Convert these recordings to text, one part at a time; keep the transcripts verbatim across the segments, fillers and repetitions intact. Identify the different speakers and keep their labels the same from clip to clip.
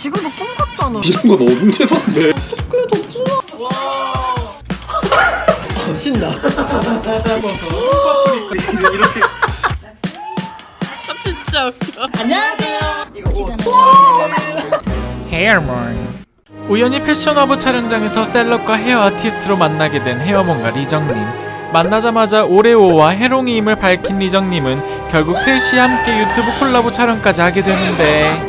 Speaker 1: 지금도 꿈 같잖아.
Speaker 2: 이런 건 언제 샀네?
Speaker 1: 어떡해 덕순아. 와. 아, 신나.
Speaker 3: 이렇게.
Speaker 1: 아 진짜 웃겨. 안녕하세요. 이거
Speaker 3: 헤어몬. 우연히 패션허브 촬영장에서 셀럽과 헤어 아티스트로 만나게 된 헤어몬과 리정님. 만나자마자 오레오와 해롱이임을 밝힌 리정님은 결국 셋이 함께 유튜브 콜라보 촬영까지 하게 되는데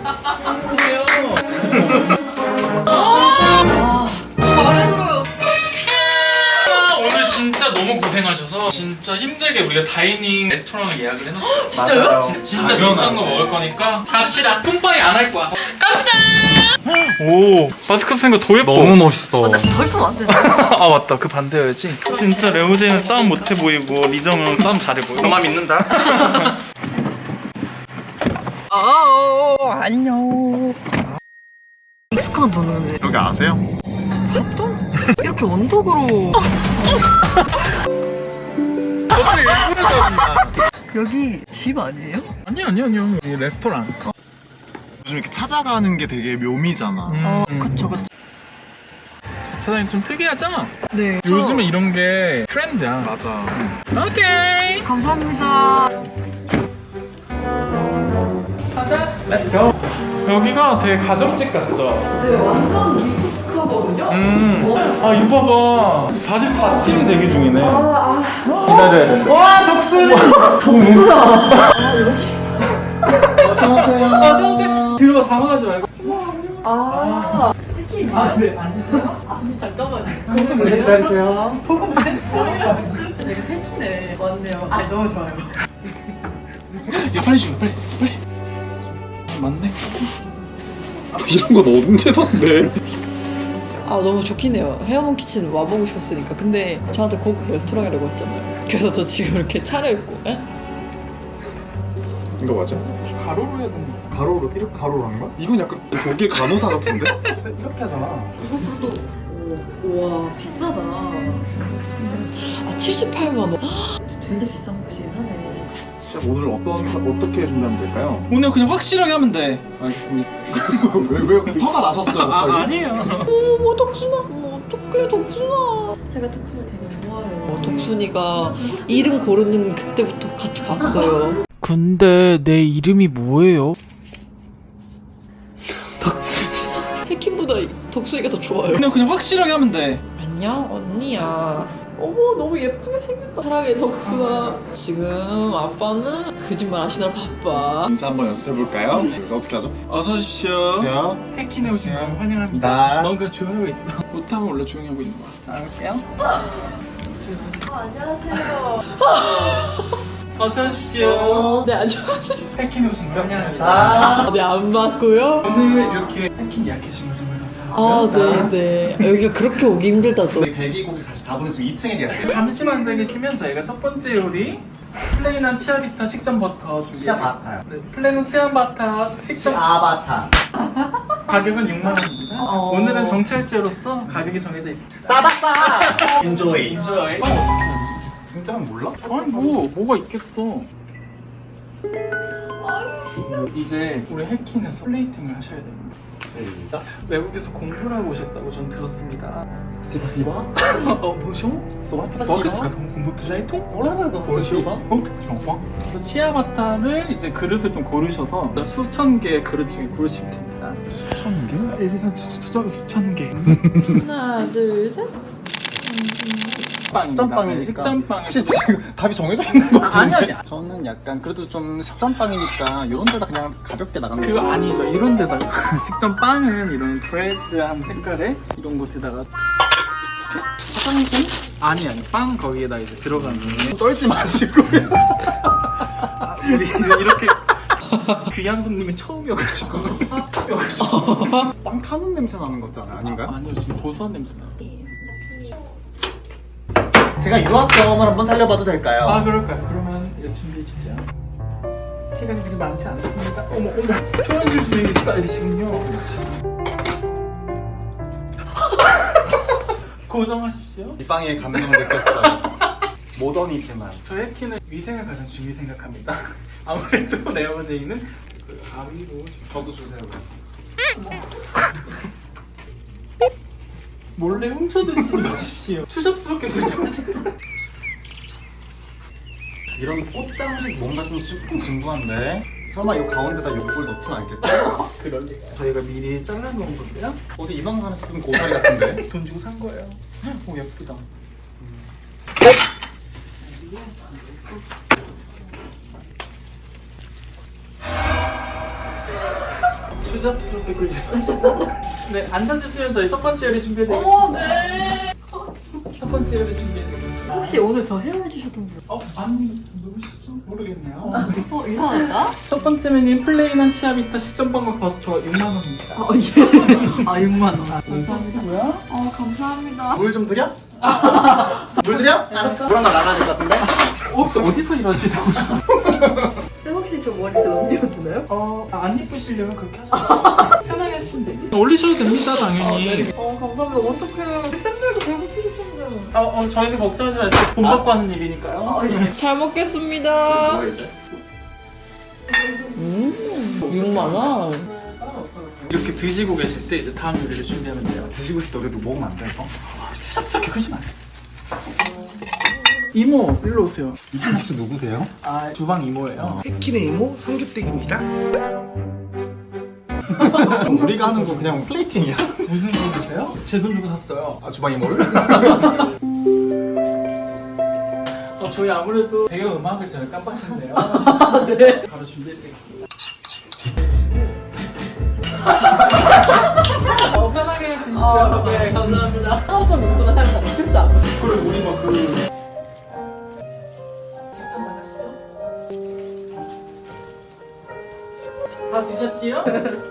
Speaker 3: 오늘 진짜 너무 고생하셔서 진짜 힘들게 우리가 다이닝 레스토랑을 예약을 해놨어요.
Speaker 1: 진짜요?
Speaker 3: 진, 진짜 비싼 거 먹을 거니까 갑시다. 뿜빠이 안 할 거야. 갑시다. 오, 마스크 쓰니까 더 예뻐.
Speaker 2: 너무 멋있어.
Speaker 1: 더 예쁘면 안 되나?
Speaker 3: 아 맞다, 그 반대여야지. 진짜 레오제는 싸움 못해 보이고 리정은 싸움 잘해 보여.
Speaker 2: 너만 믿는다.
Speaker 1: 아 안녕. 익숙한 돈은
Speaker 2: 여기 아세요?
Speaker 1: 밥도 이렇게 원독으로.
Speaker 3: 어떻게 일부러 잡나?
Speaker 1: 여기 집 아니에요?
Speaker 3: 아니 아니 아니요. 이 레스토랑.
Speaker 2: 요즘 이렇게 찾아가는 게 되게 묘미잖아.
Speaker 1: 어 그쵸 그쵸.
Speaker 3: 주차장이 좀 특이하죠?
Speaker 1: 네.
Speaker 3: 요즘에 이런 게 트렌드야.
Speaker 2: 맞아.
Speaker 3: 오케이.
Speaker 1: 감사합니다.
Speaker 2: Let's go.
Speaker 3: 여기가 되게 가정집 같죠?
Speaker 1: 네 완전 미숙하거든요.
Speaker 3: 음. 아 이거 봐봐. 사십사 팀 대기 중이네.
Speaker 1: 아,
Speaker 3: 기다려야 돼.
Speaker 2: 와 덕순이.
Speaker 1: 덕순아.
Speaker 2: 어서 오세요.
Speaker 1: 어서 오세요.
Speaker 3: 뒤로 당황하지 말고.
Speaker 1: 아.
Speaker 3: 아, 네, 앉으세요.
Speaker 1: 아니 잠깐만요.
Speaker 2: 네, 기다리세요.
Speaker 1: 제가 팬이네. 맞네요. 아 너무 좋아요.
Speaker 3: 야 빨리 줘, 빨리, 빨리. 맞네.
Speaker 2: 이런 건 언제 샀네?
Speaker 1: 아 너무 좋긴 해요. 헤어몬 키친 와보고 싶었으니까. 근데 저한테 고급 레스토랑이라고 했잖아요. 그래서 저 지금 이렇게 차려입고. 에?
Speaker 2: 이거 맞아?
Speaker 3: 가로로 해야 되는 거.
Speaker 2: 가로로 이렇게 가로로 한 거야? 이건 약간 독일 간호사 같은데? 이렇게 하잖아.
Speaker 1: 이것도 와 비싸다. 아 칠십팔만 원. 되게 비싼 곳이긴 하네.
Speaker 2: 오늘 어떤 어떻게 준비하면 될까요?
Speaker 3: 오늘 그냥 확실하게 하면 돼.
Speaker 2: 알겠습니다. 왜, 왜 화가 나셨어요? 갑자기?
Speaker 3: 아, 아니에요.
Speaker 1: 어머 덕순아. 어머 어떡해 덕순아. 제가 덕순을 되게 좋아해요. 덕순이가 이름 고르는 그때부터 같이 봤어요.
Speaker 3: 근데 내 이름이 뭐예요?
Speaker 1: 덕순이. 해킹보다 덕순이가 더 좋아요.
Speaker 3: 그냥 그냥 확실하게 하면 돼.
Speaker 1: 안녕 언니야. 어머 너무 예쁘게 생겼다. 사랑해 덕순아. 지금 아빠는 거짓말 하시느라 바빠.
Speaker 2: 인사 한번 연습해볼까요? 어떻게 하죠?
Speaker 3: 어서 오십시오.
Speaker 2: 자,
Speaker 3: 해킹해 오신 거 환영합니다.
Speaker 2: 나.
Speaker 3: 너 그냥 조용히 하고 있어. 못하면 원래 조용히 하고 있는 거야. 나갈게요.
Speaker 1: 안녕하세요.
Speaker 3: 어서 오십시오.
Speaker 1: 네 안녕하세요.
Speaker 3: 해킹해 오신 거 환영합니다.
Speaker 1: 아, 네 안 맞고요.
Speaker 3: 오늘 이렇게 해킹 예약해주신 거 정말
Speaker 1: 아
Speaker 3: 감사합니다.
Speaker 1: 네네. 여기가 그렇게 오기 힘들다도.
Speaker 2: 대기고기 사십사 분에서 이 층에 계세요.
Speaker 3: 잠시만 앉아 계시면 저희가 첫 번째 요리 플레인한 치아비타 식전 버터 준비해
Speaker 2: 치아바타요.
Speaker 3: 네, 플레인한 치아바타 식전
Speaker 2: 치아바타.
Speaker 3: 가격은 육만 원입니다.
Speaker 1: 어.
Speaker 3: 오늘은 정찰제로서 가격이 정해져 있습니다.
Speaker 2: 싸다 싸. 인조이.
Speaker 3: 인조이. 빵 어떻게 해야
Speaker 2: 진짜 몰라?
Speaker 3: 아니 뭐 뭐가 있겠어. 이제 우리 해킹에서 플레이팅을 하셔야 됩니다.
Speaker 2: 진짜?
Speaker 3: 외국에서 공부를 하고 오셨다고 전 들었습니다.
Speaker 2: 스파시바?
Speaker 3: 어 뭐죠?
Speaker 2: 스파시바?
Speaker 3: 버크스가 공부 플레이통?
Speaker 2: 올라라도 스파시바?
Speaker 3: 어? 정말? 그래서 치아바타를 이제 그릇을 좀 고르셔서 수천 개의 그릇 중에 고르시면 됩니다.
Speaker 2: 수천 개?
Speaker 3: 에리선 수천 수천 개.
Speaker 1: 하나 둘 셋.
Speaker 2: 식전빵이니까.
Speaker 3: 식전빵.
Speaker 2: 혹시 지금 답이 정해져 있는 거 같은데?
Speaker 3: 아니 아니.
Speaker 2: 저는 약간 그래도 좀 식전빵이니까 이런 데다 그냥 가볍게 나가는
Speaker 3: 그거
Speaker 2: 거죠.
Speaker 3: 아니죠. 이런 데다가 식전빵은 이런 브레드한 색깔의 이런 곳에다가
Speaker 2: 화장품?
Speaker 3: 아니 아니 빵 거기에다 이제 들어가는
Speaker 2: 떨지 마시고.
Speaker 3: 우리 이렇게 귀한 손님이 처음이어가지고
Speaker 2: 빵 타는 냄새 나는 거잖아, 아닌가요?
Speaker 3: 아니요 지금 고소한 냄새 나요.
Speaker 2: 제가 유학 경험을 한번 살려봐도 될까요?
Speaker 3: 아 그럴까요? 그러면 이거 준비해 주세요. 시간이 그리 많지 않습니다. 어머 어머 초원실 주행 스타일이시군요. 고정하십시오.
Speaker 2: 이 빵에 감동을 느꼈어요. 모던이지만.
Speaker 3: 저희 해키는 위생을 가장 중요히 생각합니다. 아무래도 레어제이는 그 가위로
Speaker 2: 저도 주세요.
Speaker 3: 몰래 훔쳐 드시지 마십시오. 추잡스럽게 그러지 마세요.
Speaker 2: 이런 꽃장식 뭔가 좀 조금 진부한데 설마 이 가운데다 요걸 넣진 않겠죠?
Speaker 3: 그럴 리가. 저희가 미리 잘라놓은 건데요.
Speaker 2: 어제 이 방송에서 본 고사리 같은데?
Speaker 3: 돈 주고 산 거예요. 오 예쁘다. 추잡스럽게 굴지 마시다. 네, 앉아주시면 저희 첫 번째 요리 준비해드리겠습니다.
Speaker 1: 어, 네.
Speaker 3: 첫 번째 요리 준비해드리겠습니다.
Speaker 1: 혹시 오늘 저 헤어해주셨던 분?
Speaker 3: 어? 아니, 누구시죠? 모르겠네요.
Speaker 1: 어, 이상하다?
Speaker 3: 첫 번째 메뉴는 플레인한 치아비타 식전빵과 버터 육만 원입니다.
Speaker 1: 아, 예. 아, 육만 원.
Speaker 3: 감사합니다.
Speaker 1: 어, 감사합니다.
Speaker 2: 물 좀 드려? 물 드려? 알았어. 물 하나 나가야 될 것 같은데?
Speaker 3: 혹시 어디서 일하시다 오셨어요?
Speaker 1: 혹시 저 머리 넘겨도 되나요?
Speaker 3: 어, 안 예쁘시려면 그렇게 하셔도 편하게 하시면 되죠. 올리셔도 됩니다, 당연히.
Speaker 1: 어, 감사합니다. 어떡해. 쌤들도 배고프실 텐데.
Speaker 3: 어, 어, 저희는 걱정하지 마세요. 돈 받고 하는 일이니까요.
Speaker 1: 잘 먹겠습니다.
Speaker 2: 뭐 이제?
Speaker 1: 음, 육만 원.
Speaker 3: 이렇게 드시고 계실 때 이제 다음 요리를 준비하면 돼요.
Speaker 2: 드시고 싶다 그래도 먹으면 안 돼, 이거?
Speaker 3: 추잡스럽게 그러지 마세요. 이모, 일로 오세요.
Speaker 2: 이분 혹시 누구세요?
Speaker 3: 아, 주방 이모예요.
Speaker 4: 해킹의 이모 삼겹대기입니다.
Speaker 2: 우리가 하는 거 그냥 플레이팅이야?
Speaker 3: 무슨 소리세요? 제 돈 주고 샀어요.
Speaker 2: 아, 주방 이모를?
Speaker 3: 어, 저희 아무래도 배경 음악을 제가 깜빡했네요.
Speaker 1: 네.
Speaker 3: 바로 준비해드리겠습니다. 어, 편하게 해주시죠.
Speaker 1: 아, 네, 감사합니다. 사업점 용도는 사실 너무 쉽지 않아.
Speaker 3: 그리고 우리 막 그. 직접 만났어? 다 드셨지요?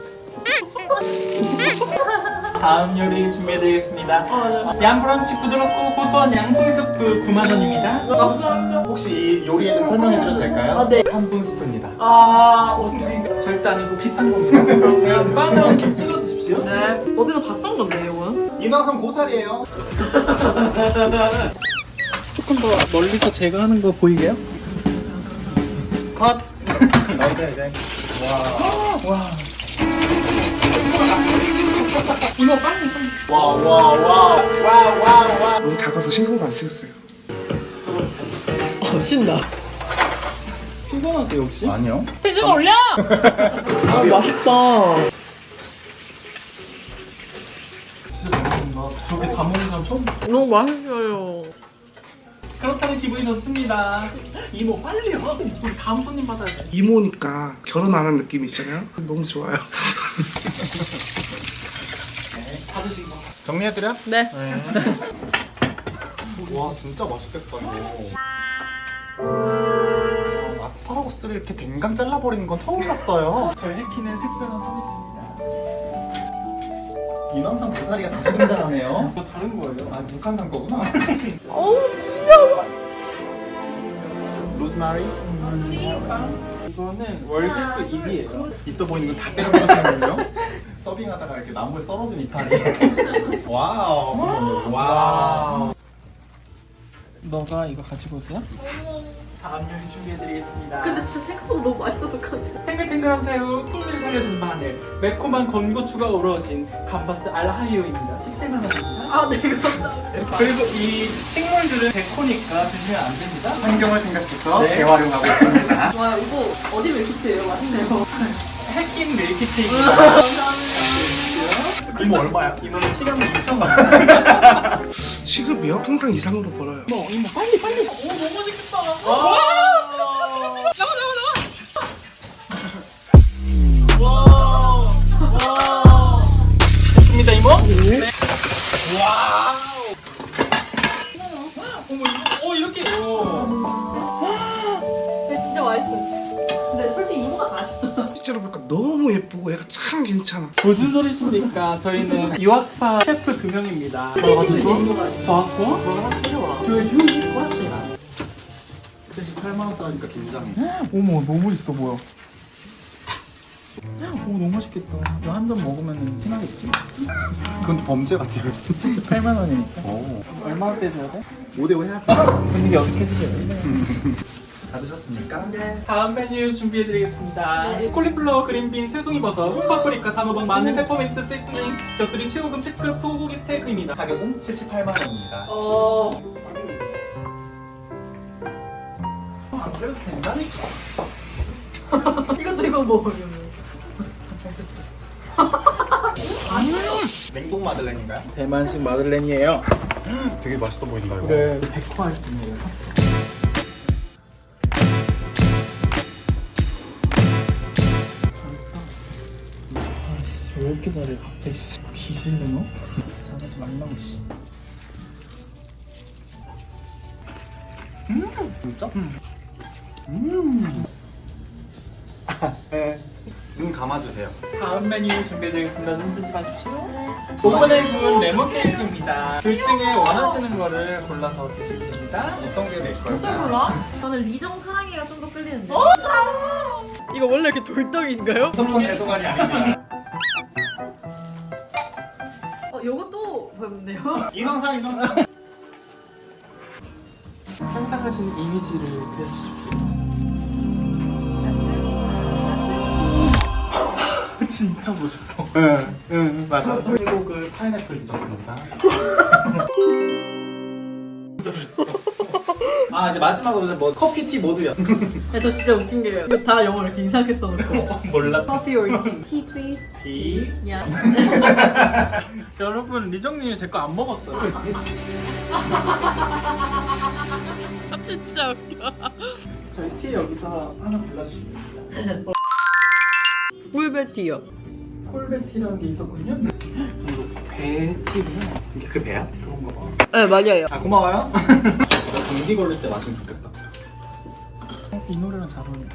Speaker 3: 다음 요리 준비해드리겠습니다. 양브런치 부드럽고 고소한 양송이 수프 구만 원입니다.
Speaker 1: 감사합니다.
Speaker 2: 혹시 이 요리에 대해 설명해드려도 될까요?
Speaker 1: 아, 네.
Speaker 2: 삼 분 스프입니다.
Speaker 1: 아, 어떡해.
Speaker 3: 절대 아니고 비싼 겁니다. 그냥 빵에 얹혀 찍어 드십시오.
Speaker 1: 네. 어디서 봤던 건데, 이건?
Speaker 2: 인왕성 고사리예요.
Speaker 3: 조금 더 멀리서 제가 하는 거 보이게요?
Speaker 2: 컷! 나오세요, 이제. 와.
Speaker 3: 와. 이모 빨리 빨리.
Speaker 2: 와, 와, 와. 와, 와, 와.
Speaker 4: 너무 작아서 신경도 안 쓰였어요.
Speaker 1: 어, 신나.
Speaker 3: 피곤하세요 혹시?
Speaker 2: 아니요.
Speaker 1: 피즈 올려! 아, 맛있다.
Speaker 3: 진짜 잘먹는다. 저렇게 다 먹는 사람 처음 봤어.
Speaker 1: 너무 맛있어요.
Speaker 3: 그렇다면 기분이 좋습니다. 이모 빨리요. 우리 다음 손님 받아야 돼.
Speaker 4: 이모니까 결혼 안 한 느낌이 있잖아요. 너무 좋아요.
Speaker 3: 받으신 거.
Speaker 2: 정리해드려?
Speaker 1: 네.
Speaker 3: 네.
Speaker 2: 와, 진짜 맛있겠다, 이거. 아, 아스파라거스를 이렇게 뱅강 잘라버리는 건 처음 봤어요.
Speaker 3: 저희 해키는 특별한 서비스입니다.
Speaker 2: 인왕성 고사리가 자주 등장하네요.
Speaker 3: 이거 다른 거예요.
Speaker 2: 아, 북한산 거구나.
Speaker 1: 어우,
Speaker 2: 로즈마리?
Speaker 3: 이거는 월계수 일 위예요.
Speaker 2: 있어 보이는 거 다 때려버리시는군요. 서빙하다가 이렇게 나무에 떨어진 이파리. 와우. 와우.
Speaker 3: 너가 이거 가지고 오세요? 다음 요리 준비해드리겠습니다.
Speaker 1: 근데 진짜 생각보다 너무 맛있어서 깜짝.
Speaker 3: 탱글탱글한 새우, 풍미를 살려준 마늘, 매콤한 건고추가 어우러진 감바스 알하이오입니다. 십칠만 원입니다.
Speaker 1: 아, 네, 감사합니다.
Speaker 3: 그리고 이 식물들은 데코니까 드시면 안 됩니다.
Speaker 2: 환경을 생각해서
Speaker 3: 네.
Speaker 2: 재활용하고 있습니다.
Speaker 1: 와, 이거 어디 밀키트예요? 맛있네요.
Speaker 3: 해킹 밀키트입니다.
Speaker 1: 감사합니다.
Speaker 2: 이모 얼마야?
Speaker 3: 이거는 시간은 이천 원.
Speaker 4: 시급이요? 항상 이상으로 벌어요.
Speaker 3: 이모, 이모 빨리 빨리.
Speaker 1: 오, 너무 맛있겠다.
Speaker 3: 와!
Speaker 1: 나와, 나와, 나와.
Speaker 2: 와.
Speaker 3: 됐습니다, 이모?
Speaker 4: 네.
Speaker 3: 와우. 어머, 이거, 어, 이렇게.
Speaker 1: 근데 진짜 맛있어. 근데 솔직히 이모가 다 맛있어.
Speaker 4: 실제로 보니까 너무 예쁘고 얘가 참 괜찮아.
Speaker 3: 무슨 소리십니까? 저희는 유학파 셰프 두 명입니다. 더 왔어? 더 왔어? 저 유이 왔습니다.
Speaker 2: 칠십팔만 원짜리니까 긴장해.
Speaker 3: 어머, 너무 있어 보여. 오, 너무 맛있겠다. 이거 한 잔 먹으면 티나겠지?
Speaker 2: 그건 범죄 같아요.
Speaker 3: 칠십팔만 원이니까.
Speaker 2: 오.
Speaker 3: 얼마 빼줘야 돼?
Speaker 2: 오 대 오 해야지.
Speaker 3: 분위기 어떻게 해주세요?
Speaker 2: 다 드셨습니까? 네.
Speaker 3: 다음 메뉴 준비해드리겠습니다. 콜리플라워, 그린빈, 새송이버섯, 흑파프리카, 단호박, 마늘, 페퍼민트, 세트닝, 곁들인 최고급 체크 소고기 스테이크입니다.
Speaker 2: 가격은 칠십팔만 원입니다.
Speaker 1: 어.
Speaker 3: 안 그래도 된다니까.
Speaker 1: 이것도 이거 먹으면.
Speaker 2: 냉동 마들렌인가요?
Speaker 3: 대만식 마들렌이에요.
Speaker 2: 되게 맛있어 보인다 이거.
Speaker 3: 그래, 백호 아이스크림이에요. 아씨, 왜 이렇게 잘해 갑자기? 씨, 뒤질래 너? 잘하지 말라고 씨. 음, 진짜? 음.
Speaker 2: 네. 눈 감아주세요.
Speaker 3: 다음 메뉴 준비해드리겠습니다. 눈 뜨지 마십시오. 오븐에 구운 레몬 케이크입니다. 둘 중에 원하시는 거를 골라서 드시면 됩니다.
Speaker 2: 어떤 게 될까요?
Speaker 1: 어떤 걸로?
Speaker 5: 저는 리정 사랑이가 좀 더 끌리는데.
Speaker 1: 이거 원래 이렇게 돌덩이인가요?
Speaker 2: 선번 죄송한이 아닙니다.
Speaker 1: 어, 요것도 보였네요.
Speaker 2: 인왕상 인왕상.
Speaker 3: 상상하신 이미지를 그려주십시오. 진짜 멋있어.
Speaker 2: 응, 응, 맞아. 그리고 그 파인애플 디저트입니다. 아 이제 마지막으로 이제 뭐 커피티 모드요.
Speaker 1: 야, 저 진짜 웃긴 게요. 이거 다 영어로 이렇게 이상하게 써놓고.
Speaker 3: 몰라.
Speaker 1: Coffee or tea?
Speaker 5: Tea please.
Speaker 2: 티.
Speaker 1: Yeah.
Speaker 3: 여러분, 리정님이 제 거 안 먹었어요.
Speaker 1: 아, 진짜 웃겨.
Speaker 3: 저희 티 여기서 하나 골라주시면 됩니다.
Speaker 1: 꿀베티요.
Speaker 3: 콜베티라는 게 있었군요. 그리고 배티구나.
Speaker 2: 이게 그 배야?
Speaker 3: 그런가 봐.
Speaker 1: 네, 맞아요.
Speaker 2: 아 고마워요. 나 감기 걸릴 때 마시면 좋겠다.
Speaker 3: 이 노래랑 잘 어울린다.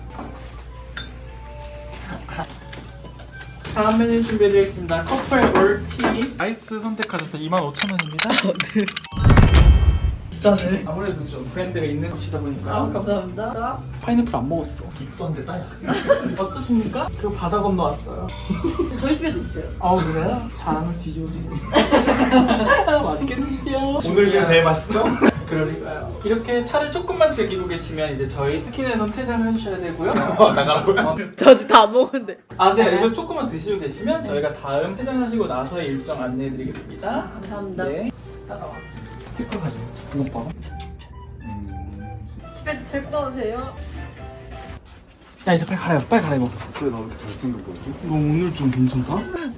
Speaker 3: 다음 메뉴 준비해드리겠습니다. 커플 올티 아이스 선택하셔서 이만 오천 원입니다.
Speaker 1: 네.
Speaker 3: 비싸네. 아무래도 좀 브랜드가 있는 곳이다 보니까.
Speaker 1: 아, 감사합니다.
Speaker 3: 파인애플 안 먹었어.
Speaker 2: 입도 안 됐다 야.
Speaker 3: 어떠십니까? 그리고 바다 건너왔어요.
Speaker 1: 저희 집에도 있어요.
Speaker 3: 아 그래요? 잘하면 뒤집어지네. 맛있게 드시죠.
Speaker 2: 오늘 중에 제일 맛있죠?
Speaker 3: 그러니까요. 이렇게 차를 조금만 즐기고 계시면 이제 저희 치킨에선 퇴장을 해주셔야 되고요.
Speaker 2: 나가라고요?
Speaker 1: 저 아직 다 안 먹었는데.
Speaker 3: 아, 네. 이거 조금만 드시고 계시면 저희가 다음 퇴장하시고 나서의 일정 안내해드리겠습니다.
Speaker 1: 감사합니다.
Speaker 3: 네. 따라와. 스티커 사진. 이거 봐.
Speaker 1: 집에 데리고 와도 돼요?
Speaker 3: 야, 이제 빨리 갈아입어. 빨리 갈아입어.
Speaker 2: 왜 나 이렇게 잘생긴 거지?
Speaker 3: 너 오늘 좀 괜찮다?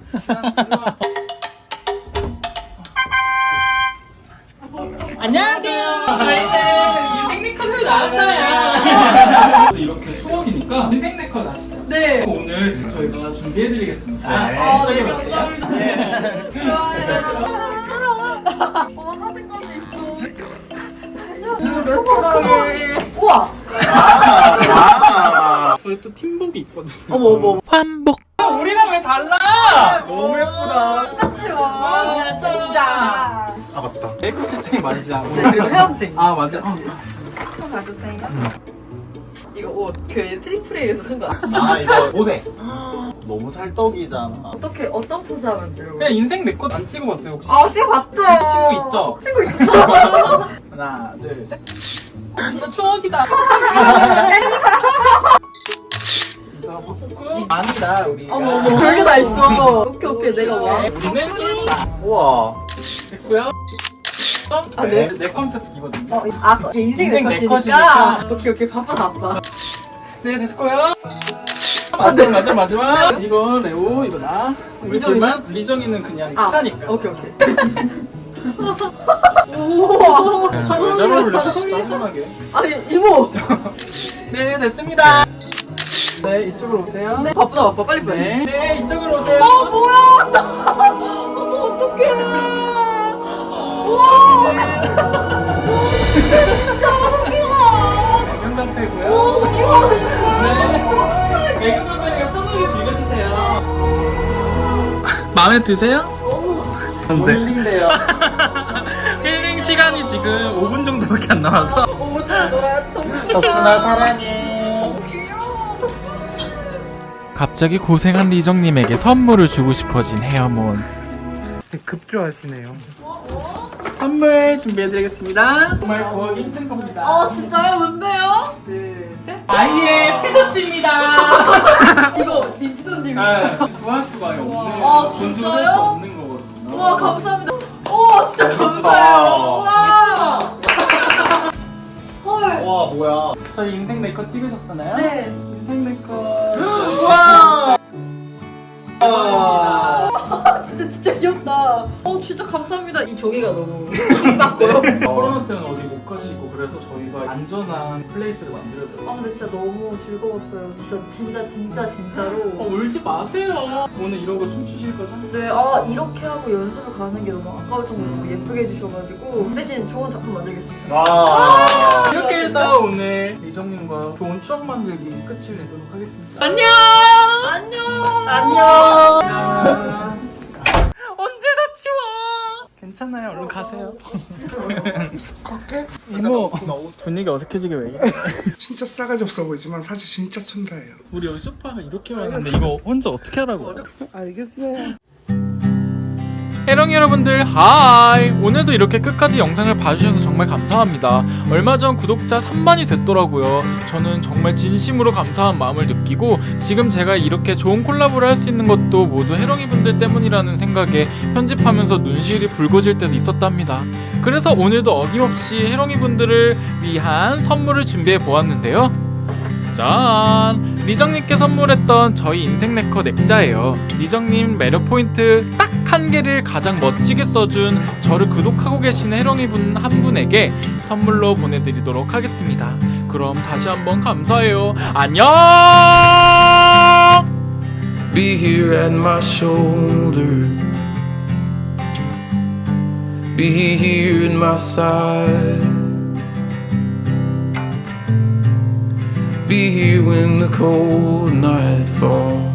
Speaker 3: 안녕하세요. 저희는 인생 네컷을 나왔어요. 이렇게 추억이니까 인생 네컷 아시죠?
Speaker 1: 네.
Speaker 3: 오늘 저희가 준비해드리겠습니다.
Speaker 2: 네.
Speaker 3: 아, 저기 보세요.
Speaker 1: 어머, 사진까지 있어. 레스토랑에. 우와!
Speaker 2: 아,
Speaker 3: 저희 또 팀복이 있거든요.
Speaker 1: 어머, 어머.
Speaker 3: 환복. 우리랑 왜 달라?
Speaker 2: 너무 예쁘다.
Speaker 1: 하지 마. 진짜.
Speaker 2: 아 맞다.
Speaker 3: 메이크업 실장이 맞으지 않아?
Speaker 1: 그리고 헤어생.
Speaker 3: 아, 맞아. 어.
Speaker 1: 좀 봐주세요. 이거 옷 그 트리플 A에서 산 거.
Speaker 2: 아 이거 보세. 너무 찰떡이잖아.
Speaker 1: 어떻게 어떤 포즈 하면 돼요?
Speaker 3: 그냥 인생 내 것 안 찍어봤어요, 혹시?
Speaker 1: 아, 지금 봤죠?
Speaker 3: 친구 있죠?
Speaker 1: 친구 있어.
Speaker 3: 하나, 둘, 셋. 진짜 추억이다. 이거 바꾸고 아니다, 우리.
Speaker 1: 어머, 어머. 별게 다 있어. 오케이, 오케이. 내가 와.
Speaker 3: 우리는 쫄다.
Speaker 2: 우와.
Speaker 3: 됐고요.
Speaker 1: 아, 네?
Speaker 3: 내 컨셉이거든요.
Speaker 1: 어, 아, 이게 인생
Speaker 3: 인생
Speaker 1: 내
Speaker 3: 내
Speaker 1: 컷이니까.
Speaker 3: 컷이니까.
Speaker 1: 오케이, 오케이. 바빠, 바빠.
Speaker 3: 네, 됐고요. 마지막, 마지막, 마지막. 이거 레오, 이거 나. 우리
Speaker 1: 리정이는?
Speaker 3: 둘만 리정이는 그냥
Speaker 1: 아,
Speaker 3: 스타니까.
Speaker 1: 오케이, 오케이. 우와.
Speaker 3: 왜 잘 어울려? 짜증나게.
Speaker 1: 아니, 이모.
Speaker 3: 네, 됐습니다. 네, 이쪽으로 오세요.
Speaker 1: 네, 바쁘다, 바빠. 빨리, 빨리.
Speaker 3: 네, 네, 이쪽으로 오세요.
Speaker 1: 어, 뭐야. 나. 어머, 어떡해. 우와.
Speaker 3: 애견 카페고요.
Speaker 1: 오, 귀여워.
Speaker 3: 네. 애견 카페니까 편하게 즐겨주세요. 마음에 드세요?
Speaker 2: 안 돼.
Speaker 3: 힐링돼요. 힐링 시간이 지금 오 분 정도밖에 안 남아서.
Speaker 1: 오늘 놀아야 또.
Speaker 2: 덕순아 사랑해.
Speaker 3: 갑자기 고생한 리정님에게 선물을 주고 싶어진 헤어몬. 급조하시네요. 선물 준비해드리겠습니다. 정말 구하기 힘든 겁니다.
Speaker 1: 어, 진짜요? 뭔데요?
Speaker 3: 네. 아이의 티셔츠입니다.
Speaker 1: 이거 민지도님.
Speaker 3: 네, 구할 수가 없는,
Speaker 1: 아,
Speaker 3: 돈 주고
Speaker 1: 진짜요?
Speaker 3: 살 수 없는 거거든요.
Speaker 1: 와 감사합니다. 와 진짜 감사해요. 와. 헐.
Speaker 2: 와 뭐야?
Speaker 3: 저희 인생 네컷 찍으셨잖아요.
Speaker 1: 네.
Speaker 3: 인생 네컷.
Speaker 2: 와.
Speaker 1: 진짜 진짜 귀엽다. 어 진짜 감사합니다. 이 종이가 너무 힘받고요.
Speaker 3: 코로나 때는 어디 못 가시고 그래서 저희가 안전한 플레이스를 만들어드려요.
Speaker 1: 아 근데 진짜 너무 즐거웠어요. 진짜 진짜 진짜 진짜로.
Speaker 3: 어, 울지 마세요. 오늘 이러고 춤추실 거죠?
Speaker 1: 네, 아 이렇게 하고 연습을 가는 게 너무 아까울 정도로 너무 예쁘게 해주셔가지고 대신 좋은 작품 만들겠습니다.
Speaker 2: 와.
Speaker 3: 이렇게 해서 오늘 리정님과 좋은 추억 만들기 끝을 내도록 하겠습니다.
Speaker 1: 안녕. 안녕.
Speaker 2: 안녕.
Speaker 3: 언제 다 치워? 괜찮아요. 얼른 가세요. 이모 분위기 어색해지게 왜 이래?
Speaker 4: 진짜 싸가지 없어 보이지만 사실 진짜 천사예요.
Speaker 3: 우리 여기 소파가 이렇게 많은데 이거 혼자 어떻게 하라고?
Speaker 4: 알겠어요.
Speaker 3: 해롱이 여러분들 하이! 오늘도 이렇게 끝까지 영상을 봐주셔서 정말 감사합니다. 얼마 전 구독자 삼만이 됐더라고요. 저는 정말 진심으로 감사한 마음을 느끼고 지금 제가 이렇게 좋은 콜라보를 할 수 있는 것도 모두 해롱이 분들 때문이라는 생각에 편집하면서 눈시울이 붉어질 때도 있었답니다. 그래서 오늘도 어김없이 해롱이 분들을 위한 선물을 준비해 보았는데요. 짠! 리정님께 선물했던 저희 인생 네컷 액자예요. 리정님 매력 포인트 딱 한 개를 가장 멋지게 써준 저를 구독하고 계시는 해롱이 분 한 분에게 선물로 보내드리도록 하겠습니다. 그럼 다시 한번 감사해요. 안녕!
Speaker 6: Be here at my shoulder. Be here at my side. Be here when the cold night falls.